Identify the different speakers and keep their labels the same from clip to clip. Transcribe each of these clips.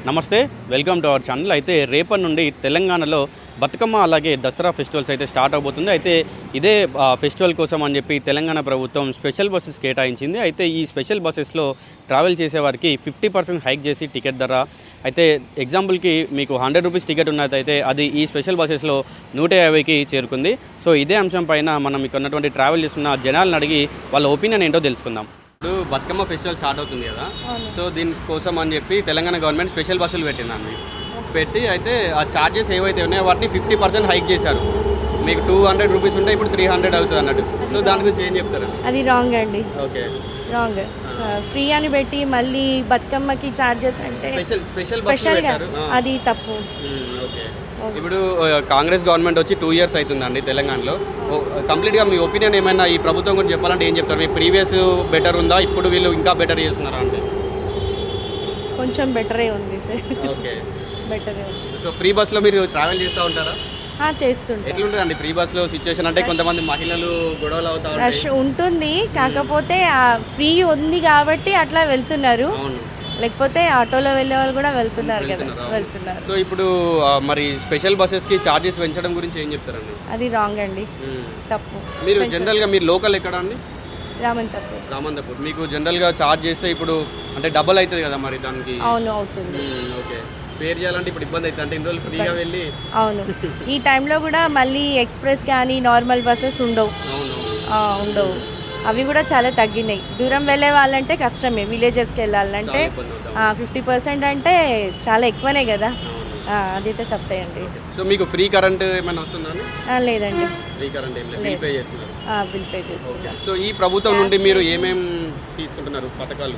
Speaker 1: నమస్తే, welcome to our channel. అయితే రేపటి నుండి తెలంగాణలో బతుకమ్మ అలాగే దసరా ఫెస్టివల్స్ అయితే స్టార్ట్ అవబోతుంది. అయితే ఇదే ఫెస్టివల్ కోసం అని చెప్పి తెలంగాణ ప్రభుత్వం స్పెషల్ బస్సెస్ కేటాయించింది. అయితే ఈ స్పెషల్ బస్సెస్లో ట్రావెల్ చేసేవారికి 50% హైక్ చేసి టికెట్ ధర అయితే ఎగ్జాంపుల్కి మీకు 100 రూపీస్ టికెట్ ఉన్నదైతే అది ఈ స్పెషల్ బస్సెస్లో 150కి చేరుకుంది. సో ఇదే అంశం పైన మనం ఇక్కడ ఉన్నటువంటి ట్రావెల్ చేస్తున్న జనాలను అడిగి వాళ్ళ ఒపీనియన్ ఏంటో తెలుసుకుందాం. ఇప్పుడు బతుకమ్మ ఫెస్టివల్ స్టార్ట్ అవుతుంది కదా, సో దీనికోసం అని చెప్పి తెలంగాణ గవర్నమెంట్ స్పెషల్ బస్సులు పెట్టిందండి. పెట్టి అయితే ఆ ఛార్జెస్ ఏవైతే ఉన్నాయో వాటిని 50% హైక్ చేశారు. మీకు 200 రూపీస్ ఉంటే ఇప్పుడు 300 అవుతుంది అన్నట్టు. సో దాని గురించి ఏం చెప్తారు?
Speaker 2: అది రాంగ్ అండి.
Speaker 1: Okay,
Speaker 2: wrong. ఫ్రీ అని పెట్టి మళ్ళీ బతుకమ్మకి ఛార్జెస్ అంటే స్పెషల్గా అది తప్పు.
Speaker 1: ఓకే, ఇప్పుడు కాంగ్రెస్ గవర్నమెంట్ వచ్చి 2 ఇయర్స్ అవుతుందండి తెలంగాణలో. కంప్లీట్గా మీ ఒపీనియన్ ఏమైనా ఈ ప్రభుత్వం గురించి చెప్పాలంటే ఏం చెప్తారు? మీ ప్రీవియస్ బెటర్ ఉందా, ఇప్పుడు వీళ్ళు ఇంకా బెటర్ చేస్తున్నారా? అంటే
Speaker 2: కొంచెం బెటరే ఉంది సార్.
Speaker 1: ఓకే,
Speaker 2: బెటరే ఉంది.
Speaker 1: సో ఫ్రీ బస్లో మీరు ట్రావెల్ చేస్తూ ఉంటారా?
Speaker 2: చేస్తుంటారు.
Speaker 1: ఎట్లుంటుందండి ఫ్రీ బస్లో సిచ్యువేషన్? అంటే కొంతమంది మహిళలు గొడవలు అవుతా ఉంటాయి.
Speaker 2: రష్ ఉంటుంది, కాకపోతే ఫ్రీ ఉంది కాబట్టి అట్లా వెళ్తున్నారు. లేకపోతే ఆటోలో వెళ్ళే వాళ్ళు కూడా వెళ్తున్నారు కదా, వెళ్తున్నారు.
Speaker 1: సో ఇప్పుడు మరి స్పెషల్ బస్సెస్కి ఛార్జెస్ పెంచడం గురించి ఏం చెప్తారండి?
Speaker 2: అది రాంగ్ అండి, తప్పు.
Speaker 1: మీరు జనరల్గా మీరు లోకల్ ఎక్కడ అండి?
Speaker 2: రామంతపూర్.
Speaker 1: మీకు జనరల్గా ఛార్జ్ చేస్తే ఇప్పుడు అంటే డబల్ అవుతుంది కదా మరి దానికి?
Speaker 2: అవును, అవుతుంది.
Speaker 1: ఓకే, పేర్ చేయాలంటే ఇప్పుడు ఇబ్బంది అవుతుంది. అంటే ఇన్ని రోజులు ఫ్రీగా వెళ్ళి.
Speaker 2: అవును, ఈ టైంలో కూడా మళ్ళీ ఎక్స్ప్రెస్ కానీ నార్మల్ బస్సెస్ ఉండవు. ఉండవు, అవి కూడా చాలా తగ్గినాయి. దూరం వెళ్ళే వాళ్ళంటే కష్టమే, విలేజెస్కి వెళ్ళాలంటే 50% అంటే చాలా ఎక్కువనే కదా. అదైతే తప్పే అండి.
Speaker 1: సో మీకు ఫ్రీ కరెంట్ ఏమైనా వస్తుందండి?
Speaker 2: లేదండి,
Speaker 1: ఫ్రీ కరెంట్ ఏం లేదు, బిల్ పే చేస్తున్నారు.
Speaker 2: బిల్ పే చేస్తున్నారు.
Speaker 1: సో ఈ ప్రభుత్వం నుండి మీరు ఏమేమి తీసుకుంటున్నారు పథకాలు?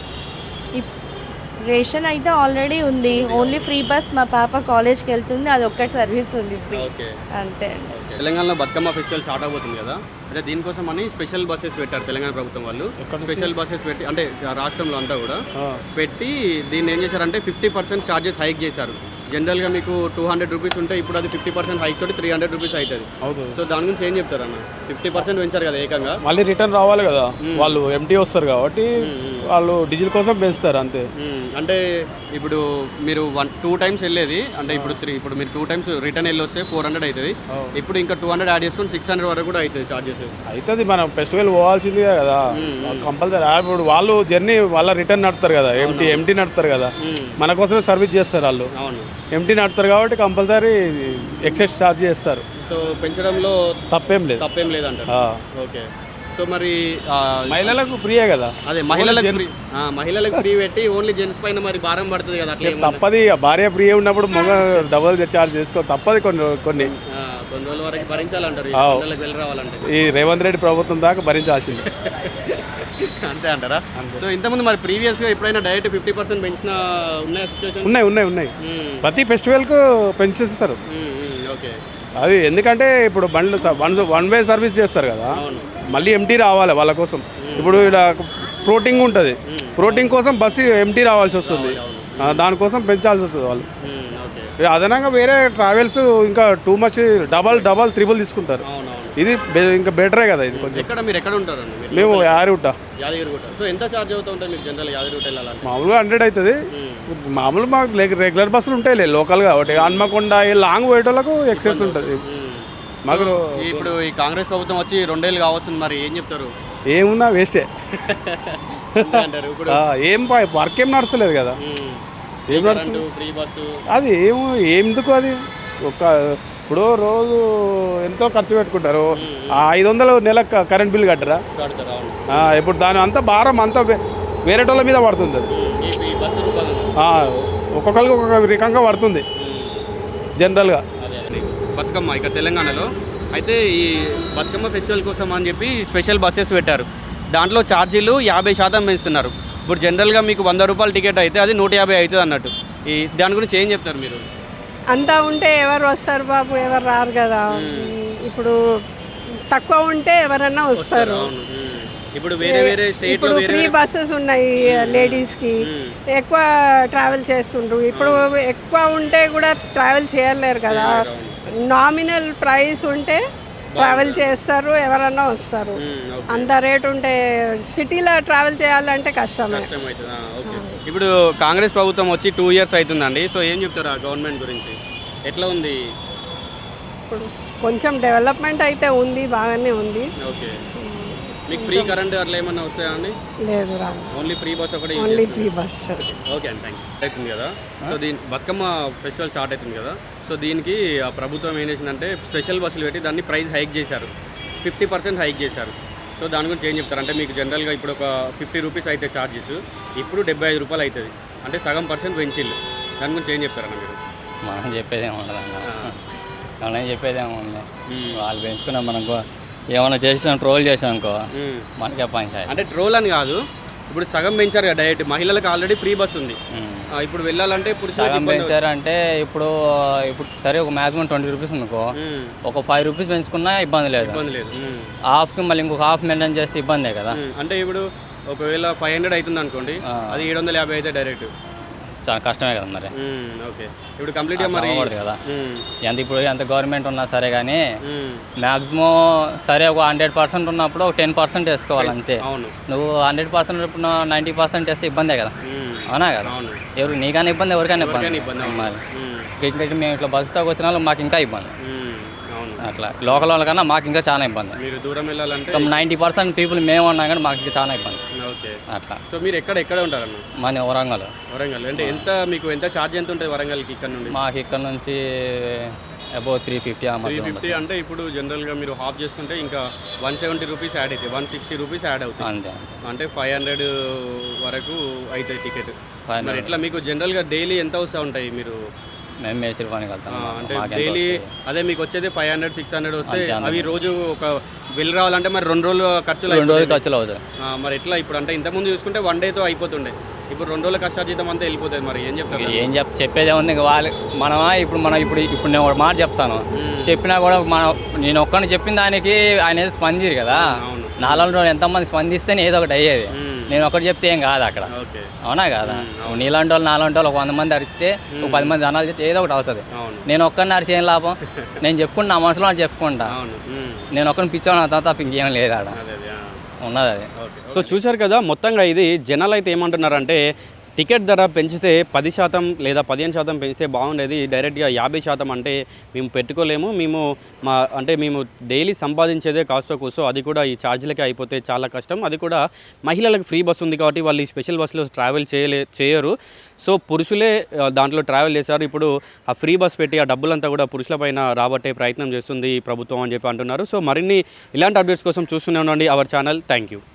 Speaker 2: రేషన్ అయితే ఆల్రెడీ ఉంది. ఓన్లీ ఫ్రీ బస్, మా పాప కాలేజ్కి వెళ్తుంది, అది ఒక్కటి సర్వీస్ ఉంది ఫ్రీ, అంతే అండి.
Speaker 1: తెలంగాణలో బతుకమ్మ ఫెస్టివల్ స్టార్ట్ అవబోతుంది కదా, అయితే దీనికోసం అని స్పెషల్ బస్సెస్ పెట్టారు తెలంగాణ ప్రభుత్వం వాళ్ళు. స్పెషల్ బస్సెస్ పెట్టి అంటే రాష్ట్రంలో అంతా కూడా పెట్టి దీన్ని ఏం చేశారంటే 50% ఛార్జెస్ హైక్ చేశారు. జనరల్గా మీకు 200 రూపీస్ ఉంటే ఇప్పుడు అది 50% హైక్ తోటి 300 రూపీస్ అవుతుంది. సో దాని గురించి ఏం చెప్తారు అన్న? 50% పెంచారు కదా ఏకంగా.
Speaker 3: మళ్ళీ రిటర్న్ రావాలి కదా, వాళ్ళు ఎంటీ వస్తారు కాబట్టి వాళ్ళు డీజిల్ కోసం పెంచుతారు అంతే.
Speaker 1: అంటే ఇప్పుడు మీరు 2 టైమ్స్ వెళ్ళేది అంటే ఇప్పుడు మీరు 2 టైమ్స్ రిటర్న్ వెళ్ళి వస్తే 400 అవుతుంది. ఇప్పుడు ఇంకా 200 యాడ్ చేసుకొని 600 వరకు కూడా అవుతుంది ఛార్జెస్.
Speaker 3: అవుతుంది, మనం ఫెస్టివల్ పోవాల్సిందే కదా కంపల్సరీ. ఇప్పుడు వాళ్ళు జర్నీ వాళ్ళ రిటర్న్ నడుపుతారు కదా, ఎంటీ నడుపుతారు కదా, మన కోసమే సర్వీస్ చేస్తారు వాళ్ళు. ఎంటీ నడుపుతారు కాబట్టి కంపల్సరీ ఎక్సెస్ ఛార్జ్ చేస్తారు. సో
Speaker 1: పెంచడంలో
Speaker 3: తప్పేం లేదు
Speaker 1: అంటారు. ఓకే, సో మరి
Speaker 3: మహిళలకు ఫ్రీయే కదా.
Speaker 1: అదే మహిళలకు ఫ్రీ పెట్టి ఓన్లీ జెంట్స్ పైన మరి భారం పడుతుంది కదా. అట్లా
Speaker 3: తప్పది, భార్య ఫ్రీ ఉన్నప్పుడు మగ డబుల్ ఛార్జ్ చేసుకో తప్పది. కొన్ని
Speaker 1: రోజుల వరకు భరించాలంటారు వెళ్ళి రావాలంటే.
Speaker 3: ఈ రేవంత్ రెడ్డి ప్రభుత్వం దాకా భరించాల్సింది.
Speaker 1: అంతే అంటారా? సో ఇంతకుముందు మరి ప్రీవియస్గా ఎప్పుడైనా డైరెక్ట్ 50% పెంచిన ఉన్నాయా సిచ్యువేషన్?
Speaker 3: ఉన్నాయి. ప్రతి ఫెస్టివల్కు పెంచేస్తారు.
Speaker 1: ఓకే,
Speaker 3: అది ఎందుకంటే ఇప్పుడు బండ్లు వన్ వే సర్వీస్ చేస్తారు కదా, మళ్ళీ ఎంటీ రావాలి వాళ్ళ కోసం. ఇప్పుడు ఇలా ఫ్లోటింగ్ ఉంటుంది, ఫ్లోటింగ్ కోసం బస్సు ఎంటీ రావాల్సి వస్తుంది, దానికోసం పెంచాల్సి వస్తుంది వాళ్ళు. అదనంగా వేరే ట్రావెల్స్ ఇంకా టూ మచ్ డబల్ త్రిబుల్ తీసుకుంటారు. ఇది ఇంకా బెటరే కదా. ఇది కొంచెం.
Speaker 1: మీరు ఎక్కడ ఉంటారు?
Speaker 3: మేము యాదగిరిగుట్ట.
Speaker 1: సో ఎంత ఛార్జ్ అవుతూ ఉంటుంది మీకు జనరల్ యాదగిరిగుట్ట వెళ్ళాలంటే?
Speaker 3: మామూలుగా 100 అవుతుంది. మామూలు మాకు రెగ్యులర్ బస్సులు ఉంటాయి లోకల్ కాబట్టి. హన్మకొండ లాంగ్ పోయేటోళ్ళకు ఎక్సెస్ ఉంటుంది మాకు.
Speaker 1: ఇప్పుడు ఈ కాంగ్రెస్ ప్రభుత్వం వచ్చి 2 ఏళ్ళు కావస్తుంది, మరి ఏం చెప్తారు?
Speaker 3: ఏమున్నా వేస్టే ఏం వర్క్ ఏం నడుస్తలేదు కదా. ఏం నడుస్తుంది అది ఎందుకు అది ఇప్పుడు రోజు ఎంతో ఖర్చు పెట్టుకుంటారు. 500 నెల కరెంట్ బిల్ కట్టరా? ఇప్పుడు దాని అంతా భారం అంతా వేరేటోళ్ళ మీద పడుతుంది. అది ఒక్కొక్కరికి ఒక్కొక్క రకంగా పడుతుంది జనరల్గా.
Speaker 1: బతుకమ్మ ఇక తెలంగాణలో అయితే ఈ బతుకమ్మ ఫెస్టివల్ కోసం అని చెప్పి స్పెషల్ బస్సెస్ పెట్టారు. దాంట్లో ఛార్జీలు 50% పెంచుతున్నారు. ఇప్పుడు జనరల్గా మీకు 100 రూపాయల టికెట్ అయితే అది 150 అవుతుంది అన్నట్టు. దాని గురించి ఏం చెప్తారు మీరు?
Speaker 4: అంతా ఉంటే ఎవరు వస్తారు బాబు, ఎవరు రారు కదా. ఇప్పుడు తక్కువ ఉంటే ఎవరన్నా వస్తారు.
Speaker 1: ఇప్పుడు వేరే
Speaker 4: ఇప్పుడు ఫ్రీ బస్సెస్ ఉన్నాయి లేడీస్కి, ఎక్కువ ట్రావెల్ చేస్తుండ్రు. ఇప్పుడు ఎక్కువ ఉంటే కూడా ట్రావెల్ చేయలేరు కదా. నామినల్ ప్రైస్ ఉంటే ట్రావెల్ చేస్తారు, ఎవరన్నా వస్తారు. అంత రేట్ ఉంటే సిటీలో ట్రావెల్ చేయాలంటే కష్టమే.
Speaker 1: ఇప్పుడు కాంగ్రెస్ ప్రభుత్వం వచ్చి 2 ఇయర్స్ అవుతుందండి. సో ఏం చెప్తారు ఆ గవర్నమెంట్ గురించి? ఎట్లా ఉంది?
Speaker 4: ఇప్పుడు కొంచెం డెవలప్మెంట్ అయితే ఉంది, బాగానే ఉంది.
Speaker 1: ఓకే. మీకు ఫ్రీ కరెంట్ అట్లా ఏమన్నా వస్తాయా అండి?
Speaker 4: లేదు రా,
Speaker 1: ఓన్లీ ఫ్రీ బస్ ఒకటి.
Speaker 4: Only free bus.
Speaker 1: ఓకే అండి, థ్యాంక్ యూ. అవుతుంది కదా, సో దీని బతుకమ్మ ఫెస్టివల్ స్టార్ట్ అవుతుంది కదా, సో దీనికి ఆ ప్రభుత్వం ఏం చేసిందంటే స్పెషల్ బస్సులు పెట్టి దాన్ని ప్రైస్ హైక్ చేశారు, 50% హైక్ చేశారు. సో దాని గురించి ఏం చెప్తారు? అంటే మీకు జనరల్గా ఇప్పుడు ఒక 50 రూపీస్ అయితే ఛార్జెస్, ఇప్పుడు 75 రూపాయలు అవుతుంది, అంటే సగం % పెంచిల్లు. దాని గురించి ఏం చెప్తారన్న మీరు?
Speaker 5: మనం చెప్పేదేమో ఉండదు అన్న, మనం చెప్పేదేమో ఉంది. వాళ్ళు పెంచుకున్నాం, మనం ఏమైనా చేసినా ట్రోల్ చేసాం అనుకో మనకే పంచాయి.
Speaker 1: అంటే ట్రోల్ అని కాదు, ఇప్పుడు సగం పెంచారు కదా డైరెక్ట్, మహిళలకు ఆల్రెడీ ఫ్రీ బస్ ఉంది, ఇప్పుడు వెళ్ళాలంటే
Speaker 5: సగం పెంచారు అంటే ఇప్పుడు సరే ఒక మ్యాక్సిమం 20 రూపీస్ అనుకో, ఒక 5 రూపీస్ పెంచుకున్నా ఇబ్బంది లేదు. హాఫ్కి మళ్ళీ ఇంకొక హాఫ్ మెయింటైన్ చేస్తే ఇబ్బందే కదా.
Speaker 1: అంటే ఇప్పుడు ఒకవేళ 500 అవుతుంది అనుకోండి, అది 750 అయితే డైరెక్ట్
Speaker 5: చాలా కష్టమే కదా మరి.
Speaker 1: ఓకే, ఇప్పుడు కంప్లీట్గా మరి
Speaker 5: కదా ఎంత ఇప్పుడు ఎంత గవర్నమెంట్ ఉన్నా సరే కానీ మ్యాక్సిమం సరే ఒక 100% ఉన్నప్పుడు ఒక 10% వేసుకోవాలి అంతే.
Speaker 1: అవును,
Speaker 5: నువ్వు 100% ఇప్పుడు 90% వేస్తే ఇబ్బందే కదా. అవునా కదా, ఎవరు నీకైనా ఇబ్బంది, ఎవరికైనా ఇబ్బంది. మరి ఇంకా మేము ఇట్లా బతుకుతాకు వచ్చిన వాళ్ళు మాకు ఇంకా ఇబ్బంది. అట్లా లోకల్ వాళ్ళకన్నా మాకు ఇంకా చాలా ఇబ్బంది.
Speaker 1: మీరు దూరం వెళ్ళాలంటే
Speaker 5: 90% పీపుల్ మేము ఉన్నా కానీ మాకు ఇంకా చాలా ఇబ్బంది.
Speaker 1: ఓకే,
Speaker 5: అట్లా.
Speaker 1: సో మీరు ఎక్కడ ఉంటారన్న?
Speaker 5: మన వరంగల్.
Speaker 1: అంటే ఎంత మీకు ఎంత ఛార్జ్ ఎంత ఉంటుంది వరంగల్కి ఇక్కడ నుండి?
Speaker 5: మాకు ఇక్కడ నుంచి అబౌవ్ 350
Speaker 1: అంటే ఇప్పుడు జనరల్గా మీరు హాఫ్ చేసుకుంటే ఇంకా 170 రూపీస్ యాడ్ అవుతాయి, 160 రూపీస్ యాడ్ అవుతుంది
Speaker 5: అంతే.
Speaker 1: అంటే 500 వరకు అవుతాయి టికెట్. మరి ఎట్లా మీకు జనరల్గా డైలీ ఎంత వస్తూ ఉంటాయి? మీరు
Speaker 5: మేము మేసిరి పనికి వెళ్తాం
Speaker 1: అంటే డైలీ అదే మీకు వచ్చేది 500-600 వస్తే అవి రోజు ఒక వెళ్ళి రావాలంటే మరి 2 రోజులు ఖర్చులు
Speaker 5: అవుతాయి.
Speaker 1: మరి ఎట్లా ఇప్పుడు? అంటే ఇంతకుముందు చూసుకుంటే 1 డేతో అయిపోతుండే, ఇప్పుడు 2 రోజుల కష్టార్జితం అంతా వెళ్ళిపోతుంది. మరి ఏం చెప్తారు?
Speaker 5: చెప్పేదే ఉంది ఇంకా వాళ్ళు మనం ఇప్పుడు నేను ఒక మాట చెప్తాను, చెప్పినా కూడా నేను ఒక్కడిని చెప్పిన దానికి ఆయన ఏదో స్పందిరు కదా. నాలుగు ఎంతమంది స్పందిస్తేనే ఏదో ఒకటి అయ్యేది. నేను ఒకటి చెప్తే ఏం కాదు అక్కడ. అవునా కదా, నీలాంటి వాళ్ళు నాలాంటి వాళ్ళు ఒక 100 మంది అరిస్తే ఒక 10 మంది అనాలు చెప్తే ఏదో ఒకటి అవుతుంది. నేను ఒక్కరిని అరిచి ఏం లాభం? నేను చెప్పుకుంటా, నా మనసులో చెప్పుకుంటా, నేను ఒక్కరిని పిచ్చాను తప్ప ఇంకేం లేదు ఆడ ఉన్నది అది.
Speaker 1: సో చూశారు కదా, మొత్తంగా ఇది జనాలు అయితే ఏమంటున్నారంటే టికెట్ ధర పెంచితే 10% లేదా 15% పెంచితే బాగుండేది, డైరెక్ట్గా 50% అంటే మేము పెట్టుకోలేము, మేము డైలీ సంపాదించేదే కాస్తో కూసో అది కూడా ఈ ఛార్జీలకే అయిపోతే చాలా కష్టం, అది కూడా మహిళలకు ఫ్రీ బస్ ఉంది కాబట్టి వాళ్ళు ఈ స్పెషల్ బస్సులో ట్రావెల్ చేయరు. సో పురుషులే దాంట్లో ట్రావెల్ చేశారు. ఇప్పుడు ఆ ఫ్రీ బస్ పెట్టి ఆ డబ్బులంతా కూడా పురుషులపైన రాబట్టే ప్రయత్నం చేస్తుంది ఈ ప్రభుత్వం అని చెప్పి అంటున్నారు. సో మరిన్ని ఇలాంటి అప్డేట్స్ కోసం చూస్తూనే ఉండండి అవర్ ఛానల్. Thank you.